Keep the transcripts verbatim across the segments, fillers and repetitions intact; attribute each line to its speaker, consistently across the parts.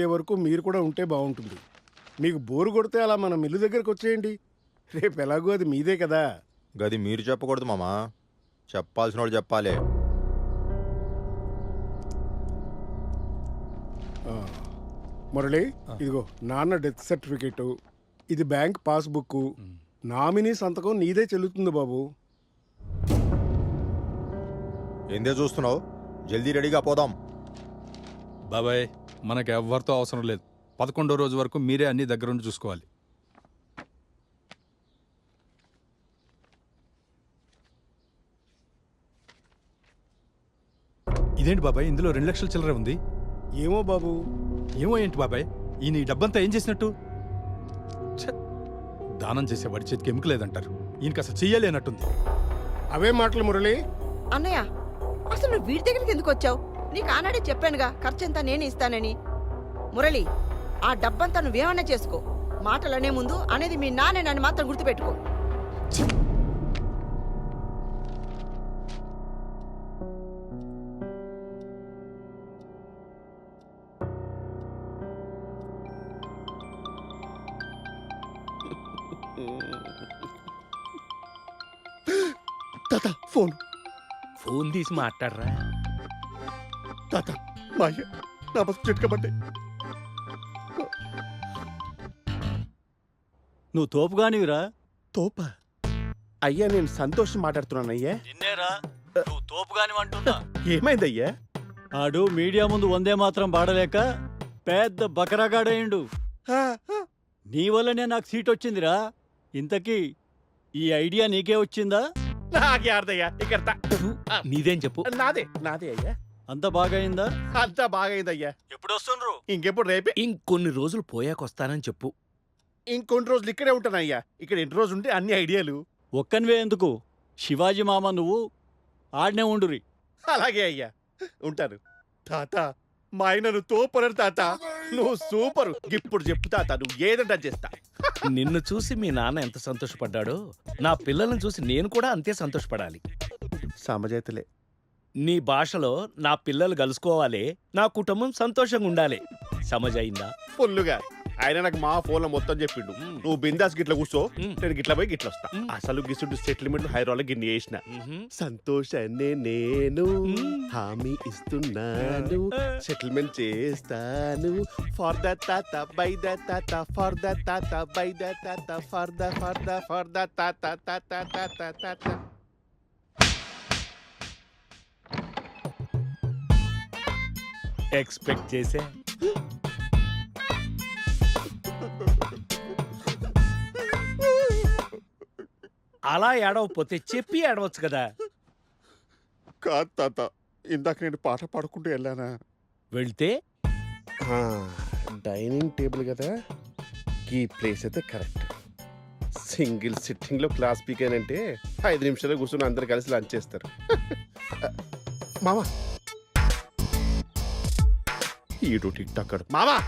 Speaker 1: అయ్యే వరకు మీరు కూడా ఉంటే బాగుంటుంది. మీకు బోరు కొడితే అలా మన మిల్లు దగ్గరకు వచ్చేయండి. రేపు ఎలాగో అది మీదే కదా.
Speaker 2: గది మీరు చెప్పకూడదు మామా, చెప్పాల్సిన వాడు చెప్పాలి.
Speaker 1: మురళి, ఇదిగో నాన్న డెత్ సర్టిఫికేట్, ఇది బ్యాంక్ పాస్బుక్, నామినీ సంతకం నీదే చెల్లుతుంది బాబు.
Speaker 2: ఏందే చూస్తున్నావు? జల్దీ రెడీగా పోదాం.
Speaker 3: బాబాయ్, మనకు ఎవ్వరితో అవసరం లేదు. పదకొండో రోజు వరకు మీరే అన్ని దగ్గరుండి చూసుకోవాలి. ఇదేంటి బాబాయ్, ఇందులో రెండు లక్షల చిల్లర ఉంది?
Speaker 1: ఏమో బాబు.
Speaker 3: ఏమో ఏంటి బాబాయ్, ఈయన ఈ డబ్బంతా ఏం చేసినట్టు? దానం చేసే వాడి చేతికి ఎముక లేదంటారు, ఈయనకి అసలు చెయ్యలేనట్టుంది.
Speaker 1: అవే మాటలు మురళి.
Speaker 4: అన్నయ్య, అసలు నువ్వు వీడి దగ్గరికి ఎందుకు వచ్చావు? నీకు ఆనాడే చెప్పానుగా ఖర్చంతా నేను ఇస్తానని. మురళి, ఆ డబ్బంతా నువ్వేమన్నా చేసుకో, మాటలు అనే ముందు అనేది మీ నాన్నే నన్ను మాత్రం గుర్తుపెట్టుకో.
Speaker 1: తాత ఫోన్
Speaker 5: ఫోన్ తీసి మాట్లాడరా.
Speaker 1: తాత మా అయ్య నా బస్సు చిట్కబడ్డాయి.
Speaker 6: నువ్వు తోపుగానివిరా.
Speaker 7: తోప అయ్యా, నేను సంతోషం మాట్లాడుతున్నాను అయ్యా.
Speaker 6: నిన్నేరా నువ్వు తోపుగానివంటున్నా.
Speaker 7: ఏమైందయ్యా?
Speaker 6: ఆడు మీడియా ముందు వందే మాత్రం పాడలేక పెద్ద బకరాగాడేయండు. నీ వల్లనే నాకు సీట్ వచ్చిందిరా. ఇంతకీ ఈ ఐడియా నీకే వచ్చిందా?
Speaker 7: నాకే అర్థయ్యా. ఇక్కడ
Speaker 5: నీదేం చెప్పు.
Speaker 7: నాదే నాదే అయ్యా.
Speaker 6: అంత బాగయిందా?
Speaker 7: అంతా బాగైందయ్యా.
Speaker 6: ఎప్పుడు వస్తుండ్రు?
Speaker 7: ఇంకెప్పుడు రేపే.
Speaker 5: ఇంకొన్ని రోజులు పోయాక వస్తానని చెప్పు.
Speaker 7: ఇంకొన్ని రోజులు ఇక్కడే ఉంటానయ్యా. ఇక్కడ ఎన్ని రోజులు ఉంటే అన్ని ఐడియాలు.
Speaker 6: ఒక్కనివే ఎందుకు, శివాజీ మామ నువ్వు ఆడనే ఉండురి.
Speaker 7: అలాగే అయ్యా, ఉంటాను. తాత, మా ఆయనను తోపరు తాత. నువ్వు సూపరు. ఇప్పుడు చెప్పు తాత, నువ్వు ఏదంటా చేస్తా.
Speaker 5: నిన్ను చూసి మీ నాన్న ఎంత సంతోషపడ్డాడో, నా పిల్లలను చూసి నేను కూడా అంతే సంతోషపడాలి.
Speaker 7: సమజైతలే.
Speaker 5: నీ భాషలో నా పిల్లలు కలుసుకోవాలి, నా కుటుంబం సంతోషంగా ఉండాలి. సమజైందా?
Speaker 7: ఫుల్లుగా. ఆయన నాకు మా ఫోన్ లో మొత్తం చెప్పిండు. నువ్వు బిందాస్ గిట్ల కూర్చో, నేను గిట్ల పోయి గిట్ల వస్తా. అసలు గిసుడు సెటిల్మెంట్ హైదరాబాద్ గిన్ని చేసిన. సంతోషాన్ని నేను హామీ ఇస్తున్నాను, సెటిల్మెంట్ చేస్తాను. ఫర్ ద తాత బై ద తాత, ఫర్ ద తాత బై ద తాత, for the for the for the తాత తాత తాత తాత.
Speaker 5: ఎక్స్పెక్ట్ చేసే. అలా ఏడవపోతే చెప్పి ఏడవచ్చు కదా.
Speaker 7: కాదు తాత, ఇందాక నేను పాట పాడుకుంటూ వెళ్ళానా?
Speaker 5: వెళ్తే
Speaker 7: డైనింగ్ టేబుల్ కదా, ఈ ప్లేస్ అయితే కరెక్ట్. సింగిల్ సిట్టింగ్ లో క్లాస్ పీక్ అంటే ఐదు నిమిషాలు కూర్చొని అందరు కలిసి లంచ్ చేస్తారు. మామా ఈడు టిక్ టాక్ మామా.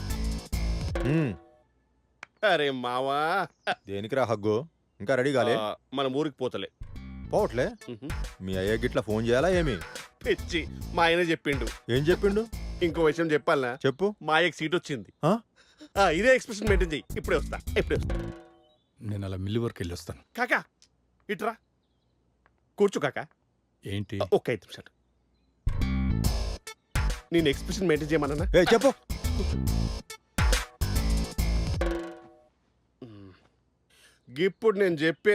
Speaker 7: అరే మావా,
Speaker 2: దేనికిరా హగ్గు? ఇంకా రెడీ కాలే?
Speaker 7: మన ఊరికి పోతలే.
Speaker 2: పోవట్లే? మీ అయ్య గిట్లా ఫోన్ చేయాలా ఏమి?
Speaker 7: పిచ్చి, మా ఆయన చెప్పిండు.
Speaker 2: ఏం చెప్పిండు?
Speaker 7: ఇంకో విషయం చెప్పాలనా?
Speaker 2: చెప్పు.
Speaker 7: మా అయ్యకి సీట్ వచ్చింది.
Speaker 2: ఆ?
Speaker 7: ఆ, ఇదే ఎక్స్ప్రెషన్ మెయింటైన్ చెయ్యి. ఇప్పుడే వస్తా, ఇప్పుడే వస్తా.
Speaker 3: నేను అలా మిల్లు వరకు వెళ్ళి వస్తాను.
Speaker 7: కాకా ఇట్రా కూర్చో. కాకా
Speaker 3: ఏంటి?
Speaker 7: ఒక్క ఐదు నిమిషాలు నేను ఎక్స్ప్రెషన్ మెయింటైన్ చేయమన్నా.
Speaker 2: ఏ చెప్పు.
Speaker 7: ఇప్పుడు నేను చెప్పే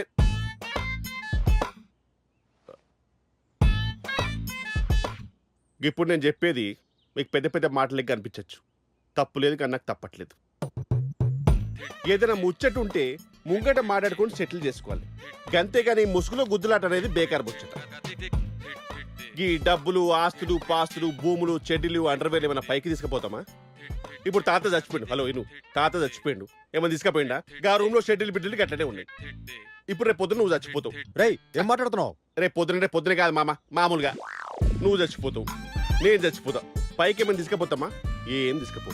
Speaker 7: ఇప్పుడు నేను చెప్పేది మీకు పెద్ద పెద్ద మాటలకి కనిపించచ్చు. తప్పు లేదు కానీ నాకు తప్పట్లేదు. ఏదైనా ముచ్చట ఉంటే ముంగట మాట్లాడుకొని సెటిల్ చేసుకోవాలి. అంతేగాని ముసుగులో గుద్దులాట అనేది బేకార్ ముచ్చట. ఈ డబ్బులు, ఆస్తులు, పాస్తులు, భూములు, చెడ్డీలు, అండర్వేర్ ఏమైనా పైకి తీసుకుపోతామా? ఇప్పుడు తాత చచ్చిపోయిండు. హలో ఇను, తాత చచ్చిపోయిండు. ఏమైనా తీసుకుపోయిండా? గా రూమ్ లో షెడ్యూల్ బిడ్డలు అట్లనే ఉన్నాయి. ఇప్పుడు రేపు పొద్దున నువ్వు చచ్చిపోతావు.
Speaker 2: రేయ్, ఏం మాట్లాడుతున్నావు?
Speaker 7: రేపు పొద్దున రేపు పొద్దున కాదు మామ, మామూలుగా నువ్వు చచ్చిపోతావు, నేను చచ్చిపోతా. పైకి ఏమైనా తీసుకుపోతామా? ఏం తీసుకుపో.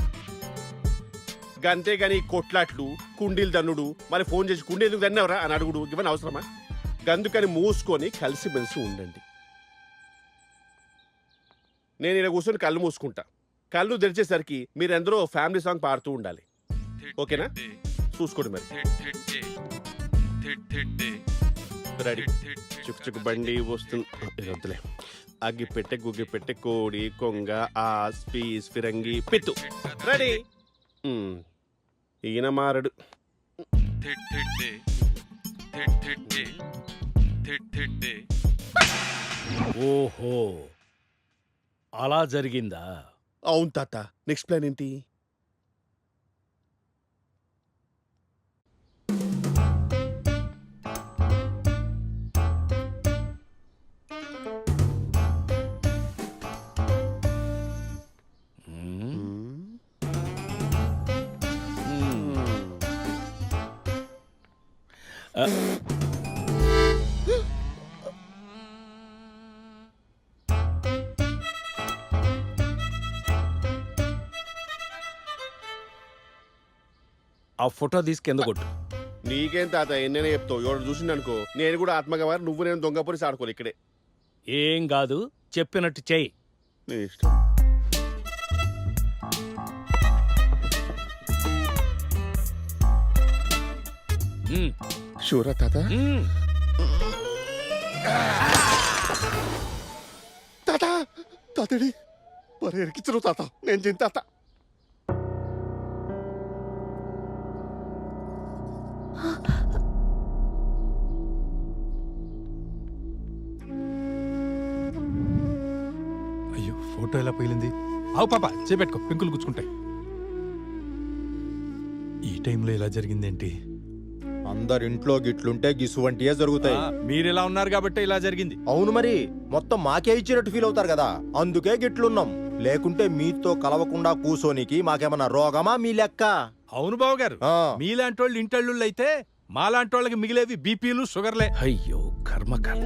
Speaker 7: అంతేగాని కొట్లాట్లు, కుండీలు దన్నుడు, మరి ఫోన్ చేసి కుండీ ఎందుకు దన్నవరా అని అడుగుడు ఇవన్నీ అవసరమా? గందుకని మూసుకొని కలిసిమెలిసి ఉండండి. నేను ఇలా కూర్చొని కళ్ళు మూసుకుంటా, కళ్ళు తెరిచేసరికి మీరెందరూ ఫ్యామిలీ సాంగ్ పాడుతూ ఉండాలి. ఓకేనా? చూసుకోండి మరి. రెడీ. చుక్ చుక్ బండి వస్తుంది. వద్దులే. అగ్గి పెట్టె గుగ్గి పెట్టె కోడి కొంగ ఆస్ పీస్ ఫిరంగి పిత్తు. రెడీ. మ్, ఈయన మారడు.
Speaker 5: ఓహో, అలా జరిగిందా?
Speaker 7: అవును తాత. నెక్స్ట్ ప్లాన్ ఏంటి?
Speaker 5: ఆ ఫోటో తీసి కింద కొట్టు.
Speaker 7: నీకేం తాత ఎన్నైనా చెప్తావు. ఎవరు చూసిండు అనుకో, నేను కూడా ఆత్మగవారు నువ్వు నేను దొంగ పోలీసు ఆడుకోవాలి ఇక్కడే.
Speaker 5: ఏం కాదు, చెప్పినట్టు చెయ్యి.
Speaker 7: నీ ఇష్టం.
Speaker 5: మ్,
Speaker 7: షూరా తాత?
Speaker 5: మ్.
Speaker 7: తాత తాతడి మరి ఎరికించరు తాత. నేను తిని తాత.
Speaker 3: అయ్యో ఫోటో ఎలా పోయింది. అవు పాప చేపెట్టుకో, పెంకులు గుచ్చుకుంటాయి. ఈ టైంలో ఇలా జరిగిందేంటి?
Speaker 2: అందరు ఇంట్లో గిట్లుంటే గిసువంటియే జరుగుతాయి.
Speaker 3: మీరు ఇలా ఉన్నారు కాబట్టి ఇలా జరిగింది.
Speaker 2: అవును మరి, మొత్తం మాకే ఇచ్చినట్టు ఫీల్ అవుతారు కదా, అందుకే గిట్లున్నాం. లేకుంటే మీతో కలవకుండా కూసోనికి మాకేమన్నా రోగమా మీ లెక్క?
Speaker 3: అవును బావ గారు,
Speaker 2: ఆ.
Speaker 3: మీలాంటి వాళ్ళు ఇంటళ్ళు అయితే మాలాంటి వాళ్ళకి మిగిలేవి బీపీలు షుగర్లే.
Speaker 5: అయ్యో కర్మ కర్మ.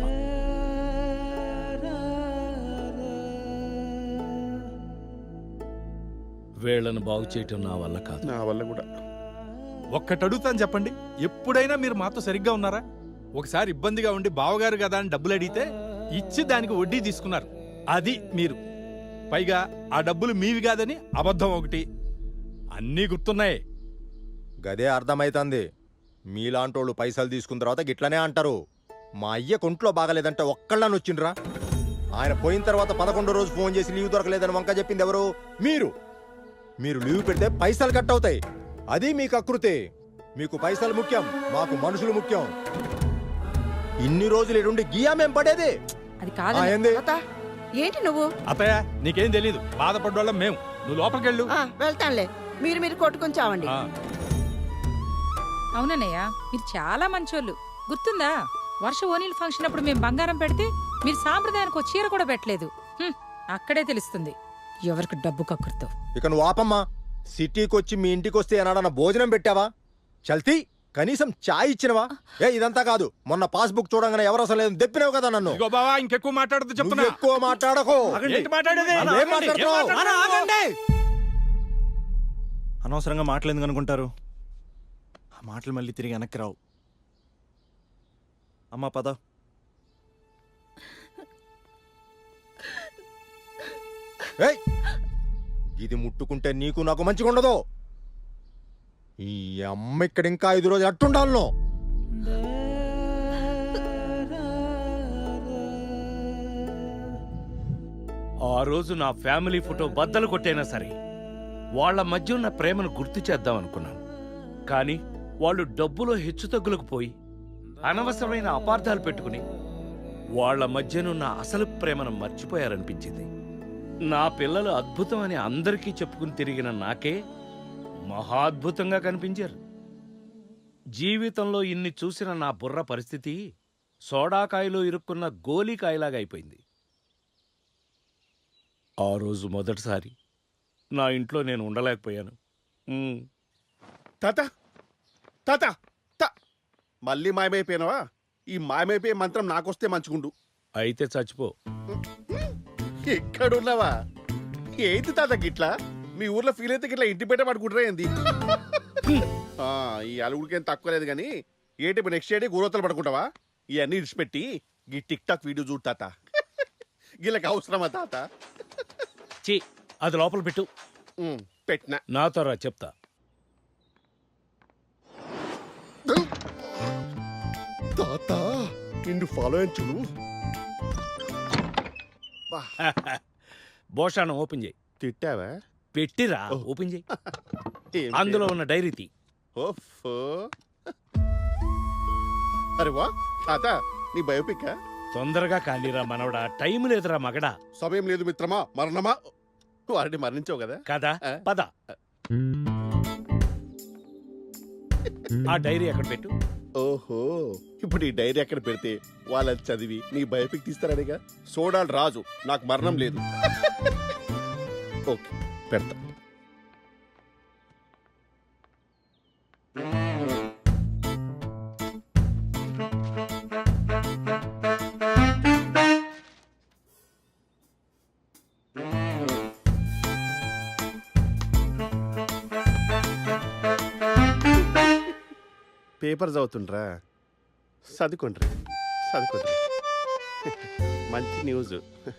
Speaker 5: వీళ్ళను బాగు చేయటం నా వల్ల కాదు.
Speaker 7: నా వల్ల కూడా.
Speaker 3: ఒక్కటి అడుగుతాను చెప్పండి, ఎప్పుడైనా మీరు మాతో సరిగ్గా ఉన్నారా? ఒకసారి ఇబ్బందిగా ఉండి బావగారు కదా అని డబ్బులు అడిగితే ఇచ్చి దానికి వడ్డీ తీసుకున్నారు. అది మీరు. పైగా ఆ డబ్బులు మీవి కాదని అబద్ధం ఒకటి. అన్నీ గుర్తున్నాయి.
Speaker 2: గదే అర్థమైతుంది. మీలాంటోళ్ళు పైసలు తీసుకున్న తర్వాత గిట్లనే అంటారు. మా అయ్య కొంట్లో బాగలేదంటే ఒక్కళ్ళని వచ్చిండ్రా. ఆయన పోయిన తర్వాత పదకొండో రోజు ఫోన్ చేసి లీవ్ దొరకలేదని వంక చెప్పింది ఎవరు? మీరు. మీరు లీవ్ పెడితే పైసలు కట్ అవుతాయి. అది మీకు అకృతే. మీకు పైసలు ముఖ్యం, మాకు మనుషులు ముఖ్యం. ఇన్ని రోజులు ఇటుండి గియా మేం పడేది.
Speaker 4: అది
Speaker 2: ఆ,
Speaker 4: కాదు
Speaker 2: ఏంది?
Speaker 4: ఏంటి నువ్వు?
Speaker 3: అత్తయ్య నీకేం తెలీదు, బాధపడ్డోళ్ళం మేము. నువ్వు లోపలికెళ్ళు.
Speaker 4: ఆ, వెళ్తానులే. మీరు మీరు కొట్టుకొని చావండి.
Speaker 3: ఆ.
Speaker 8: అవునన్నయ్య, మీరు చాలా మంచోళ్ళు. గుర్తుందా వర్ష ఓనీల్ ఫంక్షన్ అప్పుడు మేము బంగారం పెడితే మీరు సాంప్రదాయానికి ఒక చీర కూడా పెట్టలేదు. హ్మ్, అక్కడే తెలుస్తుంది ఎవరికి డబ్బు కక్కుర్తో.
Speaker 2: ఇక నువ్వు ఆపమ్మా. సిటీకి వచ్చి మీ ఇంటికి వస్తే ఏనాడన్నా భోజనం పెట్టావా? చల్తీ కనీసం చాయ్ ఇచ్చినవా? ఏ ఇదంతా కాదు, మొన్న పాస్బుక్ చూడంగానే ఎవరు అసలు లేదు దెప్పినావు కదా నన్ను.
Speaker 3: ఇగో బావా, ఇంకెక్కువ మాట్లాడదు
Speaker 2: నువ్వు
Speaker 3: చెప్తున్నా.
Speaker 2: ఎక్కువ మాట్లాడకో.
Speaker 3: ఏంటి మాట్లాడేది?
Speaker 2: ఏం
Speaker 3: ఏం
Speaker 2: మాట్లాడుతున్నావు?
Speaker 3: మాట్లాడుతున్నావు?
Speaker 9: అనవసరంగా మాటలు ఎందుకు అనుకుంటారు? ఆ మాటలు మళ్ళీ తిరిగి వెనక్కి రావు. అమ్మా పద.
Speaker 2: ఏయ్, ఇది ముట్టుకుంటే నీకు నాకు మంచిగా ఉండదు. ఈ అమ్మ ఇక్కడ ఇంకా ఐదు రోజులు అట్టుండాలను.
Speaker 5: ఆ రోజు నా ఫ్యామిలీ ఫోటో బద్దలు కొట్టైనా సరే వాళ్ళ మధ్య ఉన్న ప్రేమను గుర్తు చేద్దాం అనుకున్నాను. కానీ వాళ్ళు డబ్బులో హెచ్చుతగ్గులకు పోయి అనవసరమైన అపార్థాలు పెట్టుకుని వాళ్ళ మధ్యనున్న అసలు ప్రేమను మర్చిపోయారనిపించింది. నా పిల్లలు అద్భుతం అని అందరికీ చెప్పుకుని తిరిగిన నాకే మహాద్భుతంగా కనిపించారు. జీవితంలో ఇన్ని చూసిన నా బుర్ర పరిస్థితి సోడాకాయలో ఇరుక్కున్న గోలీకాయలాగా అయిపోయింది. ఆ రోజు మొదటిసారి నా ఇంట్లో నేను ఉండలేకపోయాను. ఉమ్.
Speaker 7: తాత తాత తా మళ్ళీ మాయమైపోయినావా? ఈ మాయమైపోయే మంత్రం నాకొస్తే మంచుకుండు.
Speaker 5: అయితే చచ్చిపో.
Speaker 7: ఎక్కడున్నావా? ఏంటి తాత గిట్లా? మీ ఊర్లో ఫీల్ అయితే గిట్లా ఇంటి పెట్ట పడుకుంటారా ఏంది? ఆ, ఈ అలుగుడికేం తక్కువ లేదు కానీ ఏంటి ఇప్పుడు నెక్స్ట్ డే గోరోతలు పడుకుంటావా? ఇవన్నీ ఇడిచిపెట్టి ఈ టిక్ టాక్ వీడియో చూడు తాత. వీళ్ళకి అవసరమా తాత?
Speaker 5: చి అది లోపల పెట్టు.
Speaker 7: ఉమ్, పెట్టినా
Speaker 5: నాతో రా చెప్తా.
Speaker 7: తాత నిన్ను ఫాలో అయ్యి చూడు.
Speaker 5: భోషాణం ఓపెన్ చేయి.
Speaker 7: తిట్టావా?
Speaker 5: పెట్టిరా,
Speaker 7: ఓ.
Speaker 5: ఓపెన్ చేయి.
Speaker 7: ఏం
Speaker 5: అందులో
Speaker 7: పేరు?
Speaker 5: ఉన్న డైరీ తీ.
Speaker 7: ఓఫో. అరే వా తాత నీ బయోపిక్
Speaker 5: తొందరగా కానీరా మనవడా, టైం లేదురా మగడా.
Speaker 7: సమయం లేదు మిత్రమా, మరణమా. వారిని మరణించావు కదా.
Speaker 5: కదా
Speaker 7: ఆ.
Speaker 5: పద. ఆ డైరీ అక్కడ పెట్టు.
Speaker 7: ఓహో, ఇప్పుడు ఈ డైరీ అక్కడ పెడితే వాళ్ళని చదివి నీ బయోపిక్ తీస్తారనిగా. సోడాలు రాజు, నాకు మరణం లేదు. ఓకే పెడతా. పేపర్ చదువుతుండ్రా, చదువుకోండ్రి చదువుకోండ్రి. మంచి న్యూస్.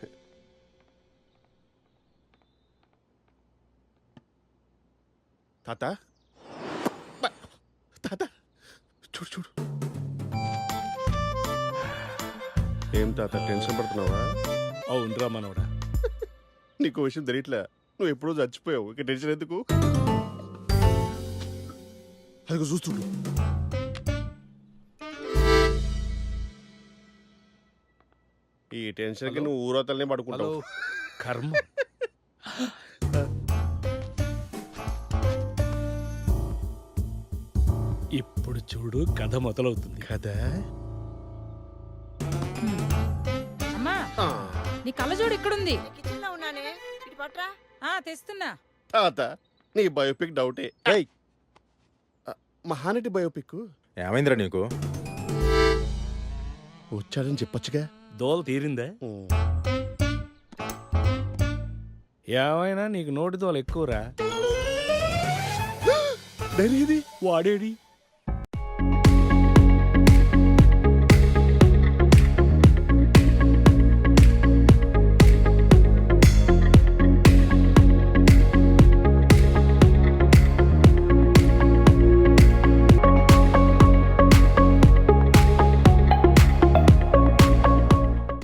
Speaker 7: తాత బ- తాత చూడు చూడు. ఏం తాత టెన్షన్ పడుతున్నావా?
Speaker 5: అవునరా మనవడా.
Speaker 7: నీకు విషయం తెలియట్లే, నువ్వు ఎప్పుడో చచ్చిపోయావు, ఇక టెన్షన్ ఎందుకు? అదిగో చూస్తుండు. ఈ టెన్షన్కి నువ్వు ఊరవతలనే పడుకుంటావు.
Speaker 5: కర్మ. ఇప్పుడు చూడు కథ మొదలవుతుంది.
Speaker 7: కదా.
Speaker 8: అమ్మా నీ కళ్ళజోడు ఇక్కడుంది.
Speaker 4: కిచెన్ లో ఉన్నానే, ఇటు పట్రా.
Speaker 8: ఆ తెస్తున్నా.
Speaker 7: తాత నీ బయోపిక్ డౌటే.
Speaker 2: ఏయ్
Speaker 7: మహానటి బయోపిక్
Speaker 2: ఏమైందిరా నీకు?
Speaker 7: వచ్చాడని చెప్పొచ్చుగా.
Speaker 5: దోల తీరిందా? ఏమైనా నీకు నోటి దోల ఎక్కువరా.
Speaker 7: డైరీ ఇది
Speaker 5: వాడేడి